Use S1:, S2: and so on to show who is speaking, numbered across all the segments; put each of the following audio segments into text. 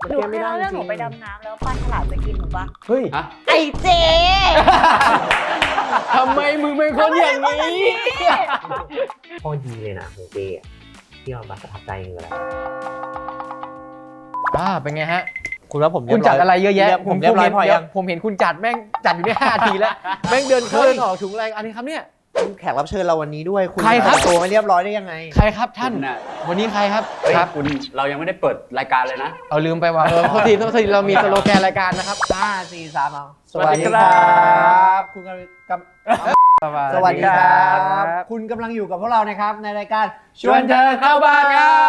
S1: หนูเคยเล่าเรื่องหนูไปดำน้ำแล้วปลาฉลามจะกินหนูปะ
S2: เฮ้ย
S1: ไอ้เจ
S2: ทำไมมึงเป็นคนอย่างนี้
S3: ข้อดีเลยนะของเจที่เราประทับใจคืออะไร
S2: เป็นไงฮะ
S3: คุณว่าผม
S2: คุณจัดอะไรเยอะแยะ
S3: ผมเรียบร้อยพอยัง
S2: ผมเห็นคุณจัดแม่งจัดอยู่ได้5 ทีแล้วแม่งเดินเข้าเดินออกถุงอะไรอันนี้ครับเนี่ย
S3: แขกรับเชิญเราวันนี้ด้วยคุณ
S2: ใครครับ
S3: ตัวไม่เรียบร้อยได้ยังไง
S2: ใครครับท่าน
S4: คุณน่ะ
S2: วันนี้ใครครับ
S4: เฮ้ย
S2: ครับ
S4: คุณเรายังไม่ได้เปิดรายการเลยนะ
S2: เอาลืมไปว่าโทษทีเรามีสโลแกนรายการนะครับ
S3: 5 4 3เอา
S2: สวัสดีครับ
S3: คุณกำลังสวัสดีครับ คุณกำลังอยู่กับพวกเรานะครับในรายการ
S2: ชวนเธอเข้าบ้านครับ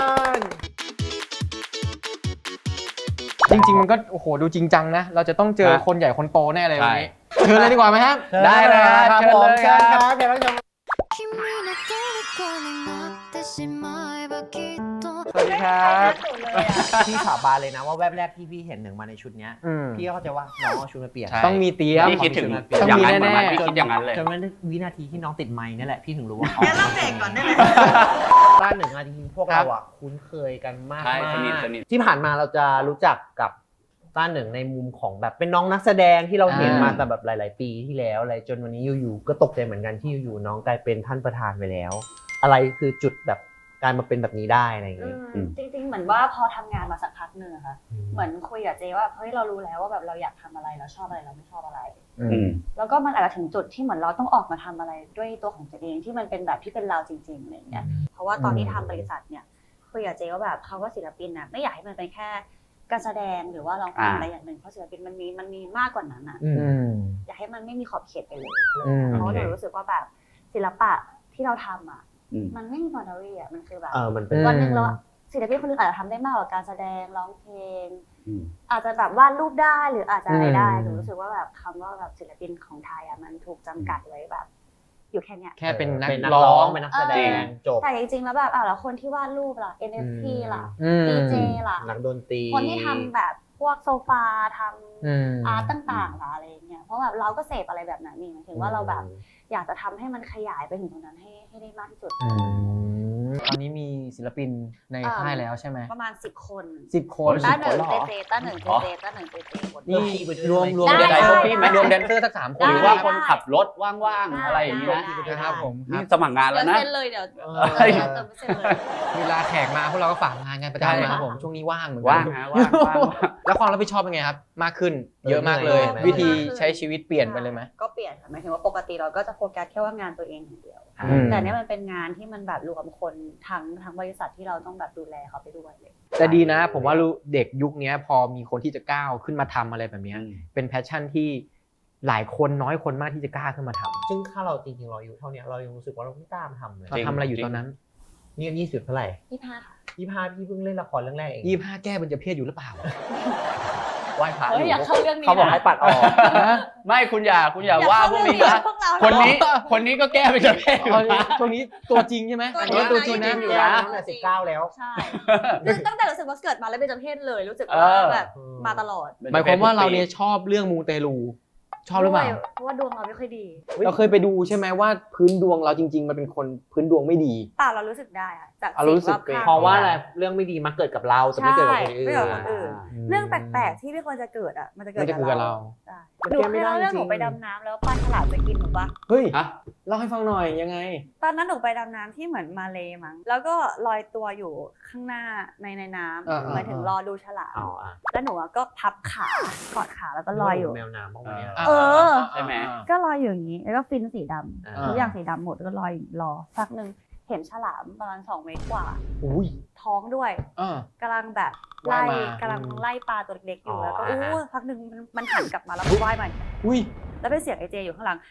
S2: จริงๆมันก็โอ้โหดูจริงจังนะ เราจะต้องเจอคนใหญ่คนโตแน่เลยวันนี้เชิญเลยดีกว่าไหมครับ
S4: ได้เลยครับ
S3: เชิญเลย
S4: เชิญเลย
S3: ค
S4: ครั
S3: รับบ แขกรับเชิญ
S5: 君の虜になってしまえばきっと
S2: สวัสดีครับ
S3: พี่สาบานเลยนะว่าแวบแรกที่พี่เห็นหนึ่งมาในชุดเนี้ย
S2: อืม
S3: พี่ก็เข้าใจว่าน้องเอาชุดมาเปลี่ยน
S4: ใช่
S2: ต้องมีเตี้ยม
S4: พี่คิดถึง
S2: ต้อง
S4: อย่าง
S2: มี
S4: นั้นเหมือน
S2: แน่
S4: กันพี่คิดอย่างนั้นเลย
S3: จนวันวินาทีที่น้องติดไมค์นี่แหละพี่ถึงรู้ว่า
S1: งั้นเราเบรกก่อนได้ไหม
S3: ต้านหนึ่งอะจริงๆพวกเราอะคุ้นเคยกันมาก
S4: ใช่
S3: มาก
S4: สนิท
S3: ที่ผ่านมาเราจะรู้จักกับต้านหนึ่งในมุมของแบบเป็นน้องนักแสดงที่เราเห็นมาแต่แบบหลาย ๆ ปีที่แล้วอะไรจนวันนี้อยู่ๆก็ตกใจเหมือนกันที่อยู่ๆน้องกลายเป็นท่านประธานไปแล้ว อะไรคือจุดแบบการมาเป็นแบบนี้ได้อะไรอย่างเงี้ย
S1: จริงๆเหมือนว่าพอทำงานมาสักพักหนึ่งอะค่ะเหมือนคุยกับเจว่าเฮ้ยเรารู้แล้วว่าแบบเราอยากทำอะไรเราชอบอะไรเราไม่ชอบอะไร
S4: อืม
S1: แล้วก็มันอาจจะถึงจุดที่เหมือนเราต้องออกมาทำอะไรด้วยตัวของตัวเองที่มันเป็นแบบที่เป็นเราจริงๆอะไรอย่างเงี้ยเพราะว่าตอนที่ทำบริษัทเนี่ยคุยกับเจว่าแบบเขาว่าศิลปินนะไม่อยากให้มันเป็นแค่การแสดงหรือว่าร้องเพลงอะไรอย่างหนึ่งเพราะศิลปินมันมีมากกว่านั้นอ่ะ
S3: อืม
S1: อยากให้มันไม่มีขอบเขตไปเลย
S2: อืม
S1: เพราะว่าหนูรู้สึกว่าแบบศิลปะที่เราทำอ่ะ
S4: อืม
S1: มันไม่มีบอร์ดรี่อ่ะมันคือแบบ
S3: มันเป็น
S1: วันหนึ่งเราศิลปินคนหนึงอาจจะทำได้มากกว่าการแสดงร้องเพลง
S4: อืม
S1: อาจจะแบบวาดรูปได้หรืออาจจะอะไรได้
S2: อืม
S1: หนูรู้สึกว่าแบบคำว่าแบบศิลปินของไทยอ่ะมันถูกจำกัดไว้แบบ อยู่แค่เนี้ย
S2: แค่เป็นนัก
S3: ร้
S2: ร้
S3: อ
S2: อง ง
S3: เป็นนักแสดงจบ
S1: แต่จริงๆแล้วแบบแล้วคนที่วาดรูปล่ะ NFT ล่ะ
S2: อืม
S1: DJ ล่ะ
S3: นักดนตรี
S1: คนที่ทำแบบพวกโซฟาท
S2: อืม
S1: ำอาร์ตต่างๆล่ะอะไรอย่างเงี้ยเพราะแบบเราก็เสพอะไรแบบนั้นนี่หมายถึงว่าเราแบบอยากจะทำให้มันขยายไปถึงตรงนั้นให้ได้มากที่สุด
S2: ตอนนี้มีศิลปินในค่ายแล้วใช่ไหม
S1: ประมาณ10 คน
S2: 10 คน
S1: ต้าหนึ่ง
S4: 10 คนเหรอ
S1: เจต้าหนึ่งเจต้าหนึ่งเจคน
S2: นี่
S3: รวม
S1: ได้
S2: แดนเซอร์
S1: ได้
S2: พี่ไหมรวมแดนเซอร์สัก3 คน
S4: หรือว่าคนขับรถว่างๆอะไรอย่างนี้นะ
S2: นะครับผม
S4: นี่สมัครงาน
S1: เดี๋
S4: แล้
S1: ยว
S4: วนะ
S1: เซ็นเลยเดี๋ยว
S4: เฮ้ย
S1: เติมเซ็นเลย
S2: เวลาแขกมาพวกเราก็ฝากงานกันประจำนะครับผมช่วงนี้ว่างเหมือนกั
S4: ว่างฮะว่างว่าง
S2: แล้วความรับผิดชอบเป็นไงครับ มากขึ้นเยอะมากเลย วิธีใช้ชีวิตเปลี่ยนไปเลยไหม
S1: ก็เปลี่ยนค่ะหมายถึงว่าปกติเราก็จะโฟกัสแค่ว่างานตัวเองอย่างเดียว
S2: อืม
S1: แต่เนี้ยมันเป็นงานที่มันแบบรวมคนทั้งบริษัทที่เราต้องแบบดูแลเขาไปด้วยเลย
S2: แต่ดีนะผมว่าเด็กยุคนี้พอมีคนที่จะก้าวขึ้นมาทำอะไรแบบนี้เป็นแพชชั่นที่หลายคนน้อยคนมากที่จะกล้าขึ้นมาทำ
S3: ซึ่งถ้าเราจริงๆเราอายู่เท่านี้เรายังรู้สึกว่าเราไม่กล้ามาทำเลย
S2: เราทำอะไรอยู่ตอนนั้น
S3: นี่20เท่าไหร่
S1: 25ค่ะ
S3: 25พี่เพิ่งเล่นละครเรื่องแรกเอง
S2: 25แก้เบญจเพศอยู่หรือเปล่า
S4: ไหว้พระ
S1: เฮ้ยอยากเข้าเรื่องนี้
S3: เขาบอกให้ปัดออก
S4: ไม่คุณอย่าว่าพวกนี้นะ
S1: พวกเรา
S4: คนนี้ก็แก้ไปจะแพ้อยู่นะ
S2: ช่วงนี้ตัวจริงใช่ไหม
S1: ตัวจริง
S2: ตัวจริงนะ
S4: อยู่นะ
S3: ตั้งแต่19แล้ว
S1: ใช่ตั้งแต่รู้สึกว่าเกิดมาแล้วเป็นจำเพศเลยรู้สึก
S4: เอ
S1: ว่า
S4: อ
S1: แบบมาตลอด
S2: หมายความว่าเราเนี่ยชอบเรื่องมูเตลูชอบหรือเปล่า
S1: เพราะว่าดวงเราไม่ค่อยดี
S2: เราเคยไปดูใช่ไหมว่าพื้นดวงเราจริง ๆ มันเป็นคนพื้นดวงไม่ดี
S1: ป่าเรารู้สึกได้อะจาก
S2: รู้สึก
S1: สิ่งรอบข้ง
S3: เพราะว่าอะไรเรื่องไม่ดีมาเกิดกับเราจะไม่เกิดกับคนอื่น
S1: ไม่เกิดกับคนอื่น เรื่องแปลกๆที่ไม่ควรจะเกิดอ่ะมันจะเกิด
S2: มันจะเกิดกับเรา
S1: ใช่
S3: มัน
S1: หนู
S3: แก้
S1: เค
S3: ไม่
S1: ย
S3: ได้
S1: เล่าเรื่อง
S3: จริง
S1: หนูไปดำน้ำแล้วปลาฉลามจะกินหนูปะ
S2: เฮ้ย
S4: ฮะ
S2: เล่าให้ฟังหน่อยยังไง
S1: ตอนนั้นหนูไปดำน้ำที่เหมือนมาเลมั้งแล้วก็ลอยตัวอยู่ข้างหน้าในน้
S2: อ่า
S1: ำหมายถึงรอดูฉลาม
S3: อ๋ออ่ะ
S1: แล้วหนูอะก็พับขากอดขาแล้วก็ลอยอยู่
S3: แมวน้ำบ้างไหมอะ
S1: เออ
S4: ใช่ไหม
S1: ก็ลอยอยู่อย่างนี้แล้วก็ฟินสีดำ
S3: อ่า
S1: ทุกอย่างสีดำหมดแล้วก็ลอยรอสักหนึ่งเห็นฉลามประมาณ2 เมตรกว่า
S2: อุ้ย
S1: ท้องด้วย
S2: อ่า
S1: กำลังแบบ
S2: ว่า
S1: ไล่
S2: ยมา
S1: กำลังไล่ปลาตัวเล็กๆอยู่
S3: อ๋อ
S1: แล้วก็
S3: อ่า
S1: อู้พักหนึ่งมันหันกลับมาแล้วก็ว่ายมา
S2: อุ้ย
S1: แล้วเป็นเสียงไอเจอยู่ข้างหลัง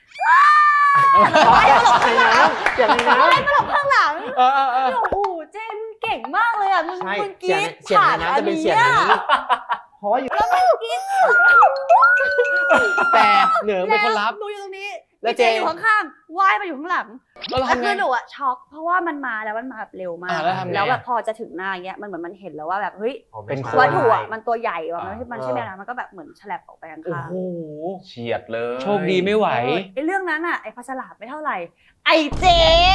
S3: ในน้ำเสียงในน้ำ
S1: ข้างหลัง
S2: เออ
S1: โอ้โหเจนเก่งมากเลยอ่ะมึง
S3: ใช่
S1: มึงก
S3: เสีย
S1: รี๊
S3: ง
S1: ด
S3: เสียง
S1: ผ่า
S3: ใน
S1: น
S3: น้ำจะเป็นเสียง
S1: อั
S3: นี้เพราะว่าอยู่
S1: แล้วมึงกรี๊ด
S2: แต่เหนือเป็นคนรับ
S1: หนูอยู่ตรงนี้
S2: แล้ว
S1: เจ
S2: เจ
S1: อยู่ข้างๆว่ายมาอยู่ข้างหลัง
S2: แล้วเรา
S1: แล้ว
S2: ทำไง
S1: คือหนูอะช็อกเพราะว่ามันมาแล้วมันมาแบบเร็วมาก
S2: แล้วทำไง
S1: แล้วแบบพอจะถึงหน้าอย่างเงี้ยมันเหมือนมันเห็นแล้วว่าแบบเฮ้ย
S2: เป็น
S3: ไม่
S2: ค
S3: ใช่
S1: วัตถุอะมันตัวใหญ่ว่ะมันใช่ไหมนะมันก็แบบเหมือนฉลับออกไปข้าง
S2: โอ้
S1: ๆ
S2: โห
S4: เฉียดเลย
S2: โชคดีไม่ไหว
S1: ไอ้เรื่องนั้นอะไอ้ปลาฉลามไม่เท่าไหร่ ไอ้เจ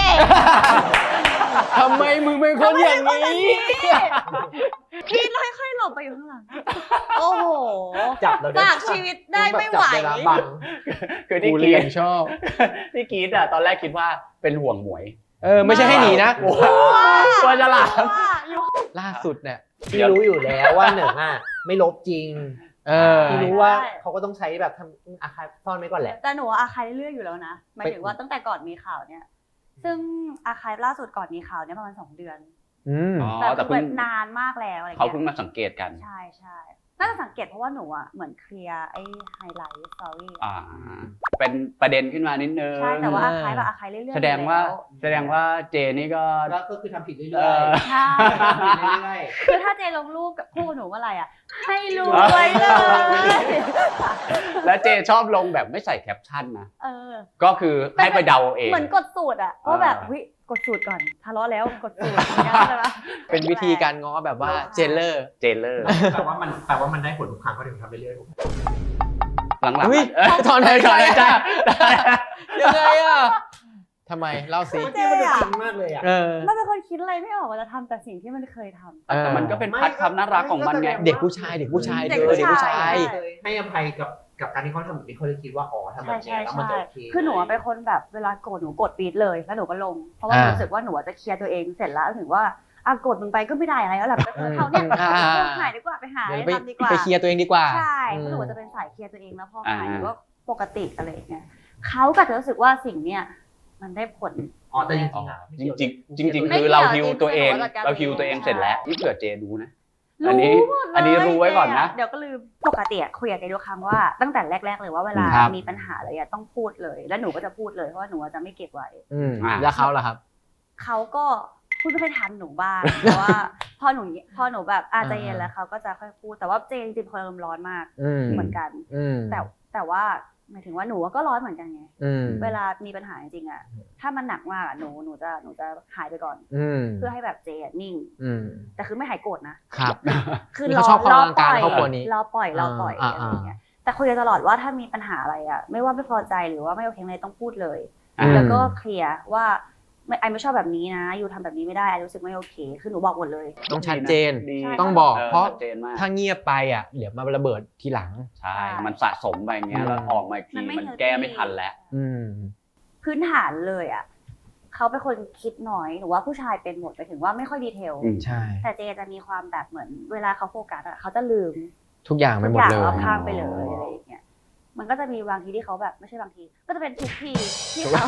S2: ทำไมมึงเป็นคนอย่างนี้
S1: พี่ค่อยๆหลบไปอยู่ข้างหลัง โอ้โห
S3: จับเราได้
S1: ฝากชีวิตได้ไม่ไหว
S3: จับเวลาบัง
S4: คือที่
S2: กู
S4: ก
S2: เรี
S4: รี
S2: ย
S4: ด
S2: นชอบ
S4: ที่กรีดอ่ะตอนแรกคิดว่าเป็นห่วงหมวย
S2: ไม่ใช่ให้หนีนะ
S4: กลัวฉลาม
S2: ล่าสุดเนี่ย
S3: พี่รู้อยู่แล้วว่าหนึ่งอ่ะไม่ลบจริง พี่รู้ว่าเขาก็ต้องใช้แบบทำอาคาซ่อนไว้ก่อนแหละ
S1: แต่หนูว่าอาคายเรื่อยๆอยู่แล้วนะหมายถึงว่าตั้งแต่ก่อนมีข่าวเนี่ย ซึ่งอาคายล่าสุดก่อนมีข่าวเนี่ยประมาณ2 เดือน
S4: อ๋อ
S1: แต่
S4: แต่
S1: คือ
S4: เพิ่ง
S1: แบบนานมากแล้วอะไร
S4: เขา
S1: เงี้
S4: เพิ่ง
S1: ย
S4: มาสังเกตกัน
S1: ใช่ใช่น่าจะสังเกตเพราะว่าหนูอ่ะเหมือนเคลียร์ไอ้ไฮไลท์สตอรี่
S4: เป็นประเด็นขึ้นมานิดนึง
S1: ใช่แต่ว่าอาคายแบบอาคายเรื่อยๆ
S4: แสดงว่า
S1: อยู่แล้ว
S4: แสดงว่าเจนี่ก็
S3: ก็คือทำผิดเรื่
S4: เอ
S3: อย
S4: อ
S1: ใช่
S3: ๆทำผิดเรื่อย
S1: คือถ้าเจลงรูปกับคู่หนูเมื่อไหร่อ่ะ ให้รวยเลย
S4: และเจชอบลงแบบไม่ใส่แคปชั่นนะ
S1: เออ
S4: ก็คือให้ไปเดาเอาเอง
S1: เหมือนกดสูตรอ่ะว่าแบบเฮ้ยกดสูตรก่อนทะเลาะแล้วกดสูตรอย่างเงี้ยใช่ปะ
S2: เป็นวิธีการง้อแบบว่าเจนเลอร์
S4: เจเลอร์
S3: ๆแปลว่ามันได้ผลทุกครั้งเขาถึงทำเรื่อย
S4: หลังๆ
S2: อุ๊ย
S4: ถอนหายใจจ้า
S2: ยังไงอ่ะทำไมเล่าสิ
S3: ๆเมื่อกี้มันดูจริงมากเลยอ่ะ
S1: มันเป็นคนคิดอะไรไม่ออกว่าจะทำแต่สิ่งที่มันเคยทำ
S4: แต่มันก็เป็นพัดความน่ารักของมันไง
S2: เด็กผู้ชายเธอเด็กผู้ชาย
S1: ใช่
S3: ให้อภัยกับการที่เขาทำแบบนี้เขาเลยคิดว่าอ๋อทำแบบนี้แล้วมันจะโอเค
S1: คือหนูเป็นคนแบบเวลาโกรธหนูกดปี๊ดเลยแล้วหนูก็ลง เพราะว่ารู้สึกว่าหนูจะเคลียร์ตัวเองเสร็จแล้วถึงว่าโกรธมึงไปก็ไม่ได้อะไรแล้วแหละไปเขาเนี่ยหายดีกว่าไปหาอะไรทำดีกว่า
S2: ไปเคลียร์ตัวเองดีกว่า
S1: ใช่เพราะหนูจะเป็นสายเคลียร์ตัวเองแล้วพอหายหนูก็ปกติอะไรอย่างเงี้ยเขาก็จะรู้สึกว่าสิ่งเนี้ยมันได้ผล
S3: อ๋อแต่จริงๆอ่ะ
S4: จริงๆคือเราฮิวตัวเองเราฮิวตัวเองเสร็จแล้วนี่เผื่อเจดูนะ อันนี้รู้ไว้ก่อนนะ
S1: เดี๋ยวก็ลืมปกติคุยกับเจทุกครั้งว่าตั้งแต่แรกๆเลยว่าเวลา
S4: ครับ
S1: มีปัญหาอะไรต้องพูดเลย แล้วหนูก็จะพูดเลยเพราะว่าหนูจะไม่เก็บไว้
S2: แล้วเขาล่ะครับ
S1: เขาก็พูดไม่ค่อยทันหนูบ้าง แต่ว่าพอหนูแบบใจเย็นแล้วเขาก็จะค่อยพูดแต่ว่าเจจริงๆคนอารมณ์ร้อนมากเหมือนกัน แต่ว่าหมายถึงว่าหนูก็ร้อนเหมือนกันไงเวลามีปัญหาจริงๆอ่ะถ้ามันหนักมากหนูจะหายไปก่อนเพื่อให้แบบเจนิ่งแต่คือไม่หายโกรธนะครับ คือ
S2: เขาชอบความอลังการครอบครัวนี้
S1: เราปล่อยอะไรอย่างเงี้ยแต่คุยกันตลอดว่าถ้ามีปัญหาอะไรอ่ะไม่ว่าไม่พอใจหรือว่าไม่โอเคอะไรต้องพูดเลยแล้วก็เคลียร์ว่าไอไม่ชอบแบบนี้นะอยู่ทำแบบนี้ไม่ได้ไอรู้สึกไม่โอเคคือหนูบอกหมดเลย
S2: ต้องชัดเจน
S4: ดี
S2: ต้องบอกเพราะ
S4: ชัดเจนมาก
S2: ถ้าเงียบไปอ่ะเดี๋ยวมาระเบิดทีหลัง
S4: ใช่มันสะสมไปอย่างเงี้ยแล้วออกมาอีกที
S1: มันไม่
S4: มัน
S1: healthy
S4: แก้ไม่ทันแล้ว
S1: พื้นฐานเลยอ่ะเขาเป็นคนคิดน้อยหรือว่าผู้ชายเป็นหมดไปถึงว่าไม่ค่อยดีเทล
S2: ใช่
S1: แต่เจจะมีความแบบเหมือนเวลาเขาโฟกัสอ่ะเขาจะลืม
S2: ทุกอย่างไปหมด
S1: ทุก
S2: เล
S1: อย่าง
S2: ย
S1: รอบข้างไปเลยอะไรอย่างเงี้ยมันก็จะมีบางทีที่เขาแบบไม่ใช่บางที ก็จะเป็นทุกทีที่เขา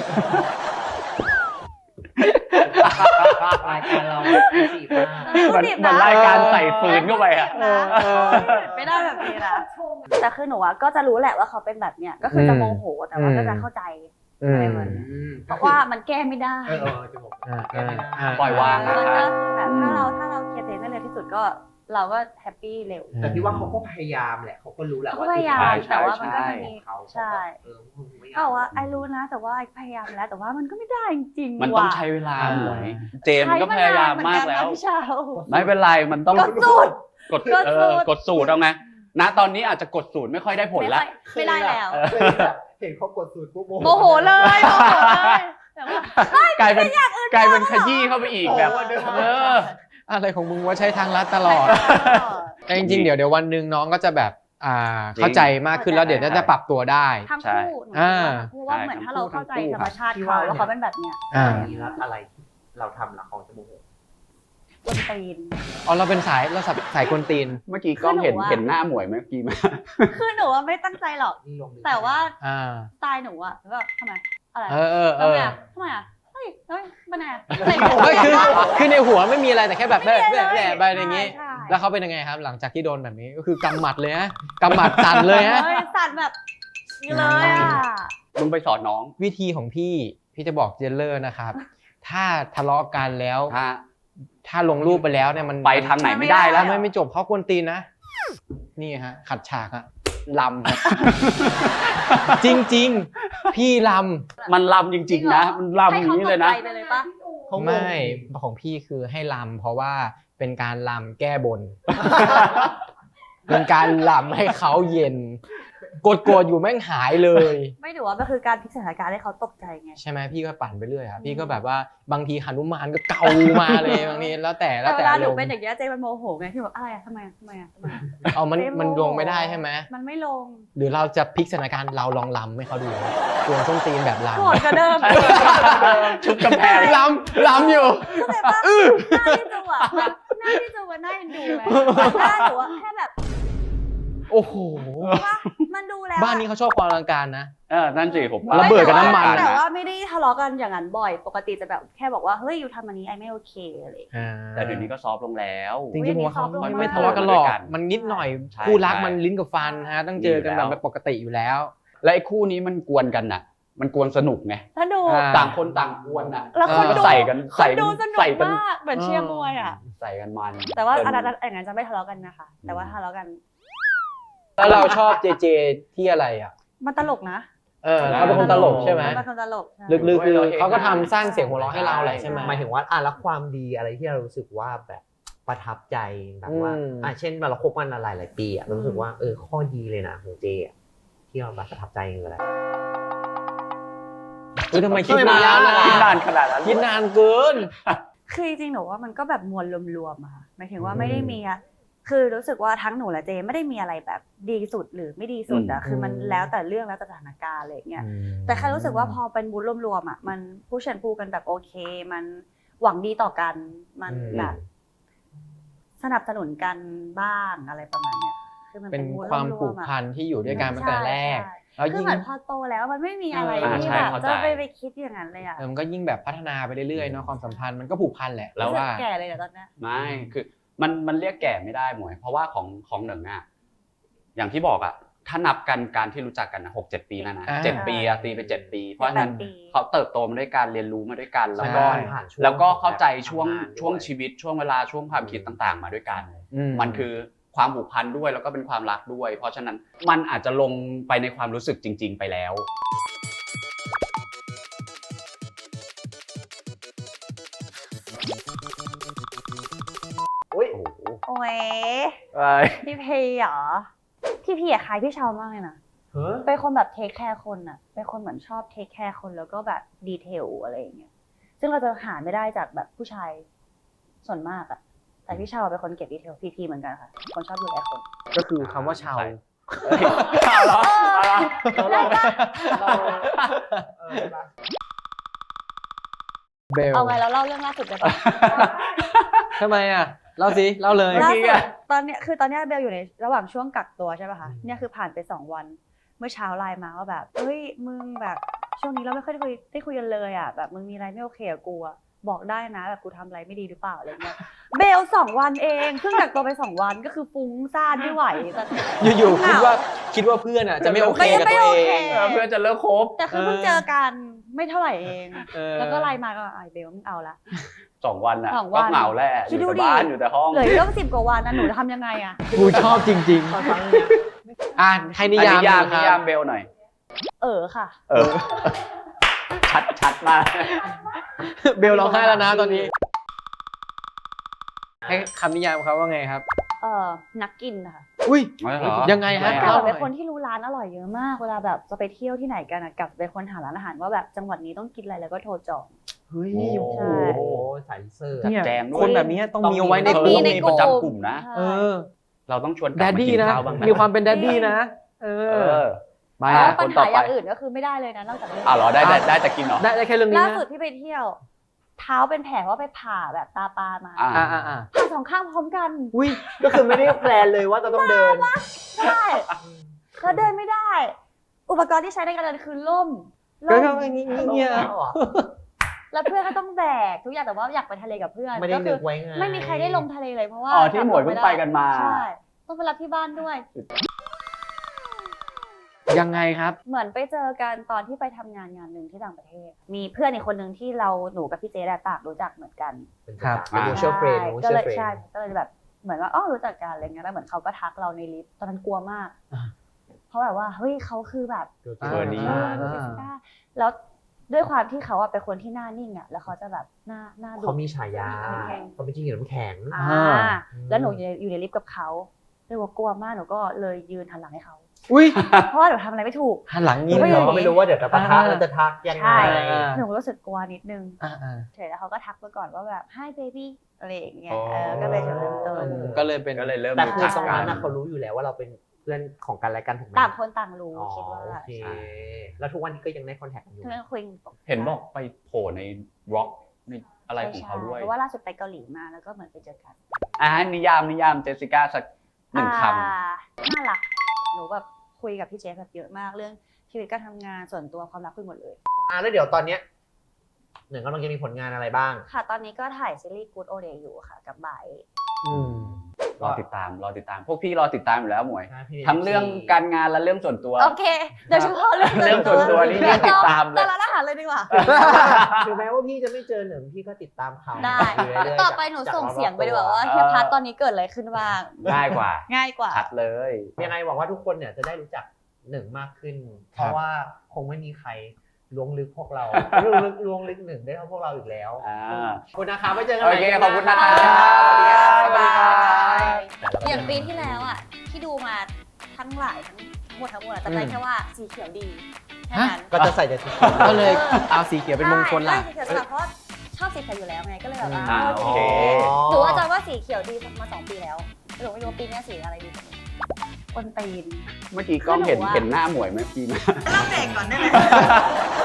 S3: รายการเราสีมาก
S4: มันรายการใส่ฟืนเข้าไปอ่ะ
S1: ไม่ได้แบบนี้นะแต่คือหนูก็จะรู้แหละว่าเขาเป็นแบบเนี้ยก็คือจะโมโหแต่ว่าก็จะเข้าใจอะไรแบบนี้เพราะว่ามันแก้ไม่ได้
S3: จะบอก
S4: ปล่อยวาง
S1: มันก็แบบถ้าเราเคลียร์เองได้เร็วที่สุดก็เราก็แฮปปี้เร็ว
S3: แต่พี่ว่าเขาก็พยายามแหละเขาก็รู้แหละ
S1: เขา
S3: ว่า
S1: ก็พยายามแต่ว่ามันก็จะมี
S3: เขา
S1: ใช่เขาบอกว่าไอรู้นะ แต่ว่าไอพยายามแล้วแต่ว่ามันก็ไม่ได้จริงๆ
S4: มันต้องใช้เวลาหน่อยเจมส์ก็พยายามมากแล้ว
S1: พี่เช้า
S4: ไม่เป็นไรมันต้อง
S1: กดสูตร
S4: กดสูตรเอาไงณตอนนี้อาจจะกดสูตรไม่ค่อยได้ผลแล้ว
S1: ไม่ได้แล้ว
S3: เห็นเขากดสูตรปุ๊บ
S1: โมโหเลยแต่ว่าก
S4: ลายเป็นขยี้เข้าไปอีกแบบ
S2: อะไรของมึงว่าใช้ทางลัดตลอดแต่จริงๆเดี๋ยววันหนึ่งน้องก็จะแบบเข้าใจมากขึ้นแล้วเดี๋ยวจะปรับตัวได้
S1: ทั้งคู่เพราะว่าเหมือนถ้าเราเข้าใจธรรมชาติเขาว่าเขาเป็นแบบเนี้ย
S3: อะไรเราทำละของจะโมโห
S1: กวนตีน
S2: เราเป็นสายกวนตีน
S4: เมื่อกี้กล้องเห็นหน้าหมวยไหมเมื่อกี้ไหม
S1: คือหนูว่าไม่ตั้งใจหรอก แต่ว่าสไตล์หนูอะแบบทำไมอะไรทำไมอะเฮ้ยมันไง
S2: คือในหัวไม่มีอะไรแต่แค่แบบแบบอย่างนี้แล้วเขาเป็นยังไงครับหลังจากที่โดนแบบนี้ก็คือกำหมัดเลยฮะกำหมัดสั่นเลยฮะ
S1: สั่นแบบนี้เลยอะ
S4: มึงไปสอนน้อง
S2: วิธีของพี่จะบอกเจนเลอร์นะครับถ้าทะเลาะกันแล้วถ้าลงรูปไปแล้วเนี่ยมัน
S4: ไปทางไหนไม่ได้แล้ว
S2: ไม่จบเพราะกวนตีนนะนี่ฮะขัดฉากอะลำจริงพี่ล
S4: มันลำจริงๆนะมันลำอย่างนี้เลยนะ
S1: ให้เขาตกใจไปเลยปะ
S2: ำไม่ของพี่คือให้ลำเพราะว่าเป็นการลำแก้บน เป็นการลำให้เขาเย็นโกรธอยู่แม่งหายเลย
S1: ไม่ถือว่ามันคือการพลิกสถานการณ์ให้เขาตกใจไง
S2: ใช่ไหมพี่ก็ปั่นไปเรื่อยครับพี่ก็แบบว่าบางทีหนุมานก็เกามาเลยบางทีแล้วแต่
S1: แต่เวลาหนู
S2: อารมณ์
S1: เป็นอย่างเงี้ยเจมันโมโหไงที่แบบอะไรอะทำไมอะทำไมอะทำไมอะ
S2: เอามัน
S1: เจ๊โมโห
S2: มันลงไม่ได้ใช่ไหม
S1: มันไม่ลง
S2: หรือเราจะพลิกสถานการณ์เราลองลำให้เขาดูกวนส้นตีนแบบลำ
S1: โกรธกว่าเดิม
S4: ชุบกำแพง
S2: ลำอยู่
S1: เข้าใจปะหน้าที่จูอะแบบหน้าที่จูมันน่าเอ็นดูไหมหน้าหนูอะแค่แบบ
S2: โอ้โห
S1: ว่ามันดูแล้ว
S2: บ้านนี้เขาชอบความอลังการนะ
S4: นั่นสิผม
S2: ระเบิดกับน้ำมัน
S1: แต่ว่าไม่ได้ทะเลาะกันอย่างนั้นบ่อย ปกติจะแบบแค่บอกว่าเฮ้ยอยู่ทำอันนี้ไอไม่โอเคอะไรอย่างเงี้ย
S4: แต่เดี๋ยวนี้ก็ซอฟต์ลงแล้ว
S2: จริงๆผมว่าเขา
S1: อุ๊ยอันนี้
S2: ไม่ทะเลาะกันหรอก
S4: ซอฟต์ลง
S2: มันนิดหน่อย
S4: ใช่
S2: คู่รัก
S4: ใช่
S2: มันลิ้นกับฟันฮะต้องเจอกันแบบปกติอยู่แล้ว
S4: และไอ้คู่นี้มันกวนกันน่ะ มันกวนสนุกไง
S1: ถ้าดู
S2: อ่า
S4: ต่างคนต่างกวนน่ะ
S1: แล้วคน
S4: ก็
S1: ดู
S4: ใส่กัน
S1: คนดูสนุก
S4: ใส่กัน
S1: มากเหมือนเชียร์มวยอ่ะ
S4: ใส่กันมัน
S1: แต่ว่าอันนั้นอย่างนั้นจะไม่ทะเลาะกันนะคะ แต่ว่าทะเลาะกัน
S2: แล้วเราชอบเจเจที่อะไรอ่ะ
S1: มันตลกนะ
S2: เขาเป็นคนตลกใช่ไหม
S1: มันเป็นคนตลกใช่
S2: ลึกๆคือเขาก็ทำสร้างเสียงหัวเราะให้เราแหละใช่ไหม
S3: หมายถึงว่าแล้วความดีอะไรที่เรารู้สึกว่าแบบประทับใจแบบว่า
S2: อืม
S3: เช่นเราคบกันหลายปีเรารู้สึกว่าข้อดีเลยนะของเจอะที่เราแบบประทับใจคืออะไร
S2: ทำไมคิดนาน
S4: คิดนานขนาดนั้น
S2: คิดนานเกิน
S1: คือจริงๆหนูว่ามันก็แบบมวลรวมๆอะค่ะหมายถึงว่าไม่ได้มีอะคือรู้สึกว่าทั้งหนูและเจไม่ได้มีอะไรแบบดีสุดหรือไม่ดีสุดอะคือมันแล้วแต่เรื่องแล้วแต่สถานการณ์อะไรอย่างเงี้ย แต่แค่รู้สึกว่าพอเป็นบูธรวมๆอ่ะมันผู้เชิญพูกันแบบโอเค มันหวังดีต่อกัน มัน
S2: อืม
S1: แบบสนับสนุนกันบ้างอะไรประมาณเนี้ยคือมัน
S2: เป็น
S1: บูธ
S2: ความ
S1: ร
S2: ผู
S1: ว
S2: ก
S1: มๆอะ
S2: พันที่อยู่ด้วยกันตั้งแต่แรก
S1: ใช่
S2: แล้ว
S1: คือ
S2: ยิ่ง
S1: เหมือนพอโตแล้วมันไม่มีอะไร
S2: อ่า
S1: ที่
S2: ใช่
S1: แบบ
S4: เข้าใจ
S1: จะไปคิดอย่างนั้นเลยอ่ะ
S2: มันก็ยิ่งแบบพัฒนาไปเรื่อยๆเนาะความสัมพันธ์มันก็ผูกพันแหละ
S4: แล้ว
S1: รู้สึก
S2: ว่า
S1: แก่เลยเหรอตอนเนี้ย
S4: ไม่คือมันเรียกแก่ไม่ได้หมวย เพราะว่าของหนึ่งอ่ะอย่างที่บอกอ่ะถ้านับกันการที่รู้จักกันนะ6-7 ปีแล้วนะ
S2: อ่า
S4: 7 ปีอะตีไป7 ปี เพราะฉะนั้น
S1: 8 ปี
S4: เขาเติบโตมาด้วยกันเรียนรู้มาด้วยกันแล้วก็
S2: ใช่
S3: ผ่านช่วง
S4: แล้วก็เข้าใจช่วง
S3: ทำงานด้วย
S4: ช่วงชีวิตช่วงเวลาช่วงความคิดต่างๆ มาด้วยกัน
S2: อื
S4: มันคือความผูกพันด้วยแล้วก็เป็นความรักด้วย เพราะฉะนั้นมันอาจจะลงไปในความรู้สึกจริง ๆ ไปแล้ว
S3: อุ้ย
S4: โอ้โห
S1: โอ้ย
S4: เอ้ย
S1: พี่เพย์เหรอพี่พีอะคล้ายพี่เชามากเลยนะ
S3: เฮ้ย
S1: เป็นคนแบบเทคแคร์คนอะเป็นคนเหมือนชอบเทคแคร์คนแล้วก็แบบดีเทลอะไรอย่างเงี้ย ซึ่งเราจะหาไม่ได้จากแบบผู้ชายส่วนมากอะแต่พี่เชาเป็นคนเก็บดีเทลพีเหมือนกันค่ะ คนชอบดูแลคน
S2: ก็คือคำว่าชาว
S4: เฮ้ยเอาเหรอเอาเหรอ
S2: เบล
S1: เอาไงแล้วเล่าเรื่องล่าสุดไปปะ
S2: ทำไมอ่ะเล่าสิเล่าเลย
S1: ล่าสุดตอนเนี้ยคือตอนเนี้ยเบลอยู่ในระหว่างช่วงกักตัวใช่ป่ะคะ เนี่ยคือผ่านไป2 วัน เมื่อเช้าไลน์มาว่าแบบเฮ้ยมึงแบบช่วงนี้เราไม่ค่อยได้คุยกันเลยอะแบบมึงมีอะไรไม่โอเคกับกูอะบอกได้นะแบบกูทำอะไรไม่ดีหรือเปล่าอะไรเงี้ย เบล2 วันเองเพิ่งกักตัวไป2 วันก็คือฟุ้งซ่านไม่ไหวแต่
S2: อยู่ๆคิดว่าเพื่อนอ่ะจะไม่โอเคกับตัวเอง
S4: เพื่อนจะเลิกคบ
S1: แต่คือเพิ่งเจอกันไม่เท่าไหร่เอง
S2: เออ
S1: แล้วก็ไลน์มาก็ไอเบลมึงเอาละ
S4: 2 วันอ่ะ
S1: สองวั
S4: ก็
S1: น
S4: เหงาแหละอ
S1: คิด
S4: ยู่
S1: ดู
S4: แต่
S1: ดิ
S4: บ้านอยู่แต่ห้อง
S1: เหลืออีกตั้ง10 กว่าวันนะหนูจะทำยังไงอะ
S2: กูชอบจริงๆอ่ะให้นิยาม
S4: นิยาม
S2: หน่อย
S4: นิ
S2: ค
S4: ยา
S2: รั
S4: ม
S2: บ
S4: เบลหน่อย
S1: ค่ะ
S4: ชัดมาก
S2: เบลร้องไห้แล้วนะตอนนี้ ให้คำนิยามเขาว่าไงครับ
S1: นักกินค่ะ
S2: อุ้ย
S4: อ๋อเหรอ
S2: ยังไงฮะ
S1: แต่
S2: เล่า
S1: แบบ
S2: หน่
S1: เป็
S2: อน ย
S1: คนที่รู้ร้านอร่อยเยอะมาก เวลาแบบจะไปเที่ยวที่ไหนกันอะกลับเป็นคนหาร้านอาหารว่าแบบจังหวัดนี้ต้องกินอะไรแล้วก็โทรจอง
S2: เฮ้ย
S3: โอ้
S2: โอ้โห
S3: โหสายเซอร์
S2: เนี่ย
S4: แจมด้วย
S2: คนแบบนี้ต้องมีเอาไว้ใน
S1: ต้อง
S2: ก
S1: มี
S2: ลุ่ม
S1: ใน
S4: มี
S1: ก
S4: ป
S1: ลุ่
S4: ระ
S1: ม
S4: จำกลุ่มนะ
S2: เออ
S4: เราต้องชวนก
S2: แด
S4: ลับ
S2: ด
S4: มา
S2: ดี้
S4: กิน
S2: นะ
S4: ข้าวบ้างนะ
S2: มีความเป็นแดดดี้นะ เอ
S4: เอ
S2: อ
S4: อ
S2: มา
S1: แล้
S2: ฮะ
S1: วปัญหาอย่างอื่นก็คือไม่ได้เลยนะนอกจากเรื่อง
S4: อ้าวเหรอได้แต่กินเหรอ
S2: ได้แค่เรื่องนี้
S1: ล่า
S2: นะ
S1: สุดที่ไปเที่ยว เท้าเป็นแผลว่าไปผ่าแบบตาปลามา
S4: อ่า
S2: อ่า
S1: ผ่า2 ข้างพร้อมกัน
S2: อุ้ย
S3: ก็คือไม่ได้แพลนเลยว่าจะต้องเดิน
S1: ใช่แล้วเดินไม่ได้ อุปกรณ์ที่ใช้ในการเดินคือล่ม
S2: ก็อย่างนี้เนี่ย
S1: แล้วเพื่อนก็ต้องแบกทุกอย่างแต่ว่าอยากไปทะเลกับเพื่อน
S3: ไม่ได้
S1: ก็
S3: นึ
S1: คื
S3: กไว้ไง
S1: ไม่มีใครได้ลงทะเลเลยเพราะว่า
S4: อ๋อที่หมวยเพิ่งไปกันมา
S1: ใช่ต้องไปรับที่บ้านด้วย
S2: ยังไงครับ
S1: เหมือนไปเจอกันตอนที่ไปทำงานหนึ่งที่ต่างประเทศ มีเพื่อนอีกคนหนึ่งที่หนูกับพี่เจได้ต่างรู้จักเหมือนกัน
S2: ครับ
S3: เป็น mutual friend
S1: ก็
S3: mutual
S1: เลย
S3: friend
S1: ใช่ก็เลยแบบเหมือนว่าอ๋อรู้จักกันอะไรเงี้ยแล้วเหมือนเขาก็ทักเราในลิฟต์ตอนนั้นกลัวมาก
S2: อ่า
S1: พราะแบบว่าเฮ้ยเขาคือแบบ
S4: เบอร์นี้
S1: เจสสิก้าแล้วด้วยความที่เขาอะเป็นคนที่หน้านิ่งอะแล้วเขาจะแบบหน้าดุ
S3: เขามีฉายาเขาเป็นจิ้งจกน้ำแข็ง
S1: แล้วหนูอยู่ในลิฟต์กับเขาเลยว่ากลัวมากหนูก็เลยยืนหันหลังให้เขา
S2: อุ้ย
S1: เพราะว่าหนูทำอะไรไม่ถูก
S2: หันหลังยิง
S1: ไม่
S2: เหร
S1: รู้
S2: อ
S3: ไม่รู้ว่าเดี๋ยวจะปะทะแล้วจะทักยังไง
S1: ใช่ หนูรู้สึกกลัวนิดนึง
S2: อ่า
S1: เฉยแล้วเขาก็ทักมาก่อนว่าแบบ hi baby อะไรอย่างเงี้ย
S4: อ๋อ
S1: ก็เลยจุดเริ่มต้น
S2: ก็เลยเป็น
S4: ก็เลยเริ่ม
S3: แต่
S4: รู้
S3: คือ
S4: จัก
S3: ตรง
S4: กั
S3: นั้น นเขารู้อยู่แล้วว่าเราเป็นเพื่อนของกันและกันถูกไหม
S1: ต่างคนต่างรู้
S3: อ๋อ
S1: คิดว่า
S3: โอเค
S1: ใช่
S3: แล้วทุกวันนี้ก็ยังได้คอนแทคกันอยู่
S1: เพื่อนคุย
S4: เห็นบอกไปโผล่ในร็อกในอะไรของเขาด้วย
S1: เพราะว่าล่าสุดไปเกาหลีมาแล้วก็เหมือนไปเจอกัน
S4: นิยามเจสสิก้าสักหนึ่งค
S1: น่ารักหนูแบบคุยกับพี่เจฟแบบเยอะมากเรื่องชีวิตการทำงานส่วนตัวความรักคุยหมดเลย
S3: แล้วเดี๋ยวตอนเนี้ยหนึ่งกำลังจะมีผลงานอะไรบ้าง
S1: ค่ะ ตอนนี้ก็ถ่ายซีรีส์ Good Old Day อยู่ค่ะ กับบ่าย
S4: ำรอติดตาม พวกพี่รอติดตามอยู่แล้วหมวย
S3: ใช่พี่
S4: ทั้งเรื่องการงานและเรื่องส่วนตัว
S1: โอเคโดยเฉพาะเรื่อง
S4: เรื่องส่วนตัวนี่ติดตามเลย
S1: แต่ละอาหารเลยดีกว่า
S3: ถึงแม้ว่าพี่จะไม่เจอหนึ่งพี่ก็ติดตามข่าว
S1: ได้
S3: อยู่เรื่อยๆ
S1: ต่อไปหนูส่งเสียงไปดีกว่าว่าเฮียพัทตอนนี้เกิดอะไรขึ้นบ้าง
S4: ง่ายกว่า
S1: ง่ายกว่า
S4: ชัดเลย
S3: ยังไงหวังว่าทุกคนเนี่ยจะได้รู้จักหนึ่งมากขึ้น เพ
S2: ครับ
S3: ราะว่าคงไม่มีใครล้วงลึกพวกเราล้วงลึกหนึ่งได้เท่าพวกเราอีกแล้ว
S4: อ่า
S3: ขอบคุณนะคะไว้เจอกัน
S4: โอ
S3: ใหม่
S4: เคขอบคุณนะครับ
S1: สวัสดีค่ะ
S4: สวัสดีครับ
S1: อย่างปีที่แล้วอ่ะที่ดูมาทั้งหลายทั้งหมดอะจำได้แค่ว่าสีเขียวดีแค่นั้น
S3: ก็จะใส่แต่ชุด
S2: ก็เลยเอาสีเขียวเป็นมงคลล่ะ
S1: ใช่สีเขียวสลับเพราะชอบสีเขียวอยู่แล้วไงก็เลยแบบว่า
S4: โอเค
S1: หนูว่าจำว่าสีเขียวดีมา2 ปีแล้วหนูไม่รู้ว่าปีนี้สีอะไรดีกว่านี้คนตีน
S4: เมื่อกี้กล้องเห็นหน้าหมวยไหมพี่มา
S1: เล่าเบรกก่อนได้ไหม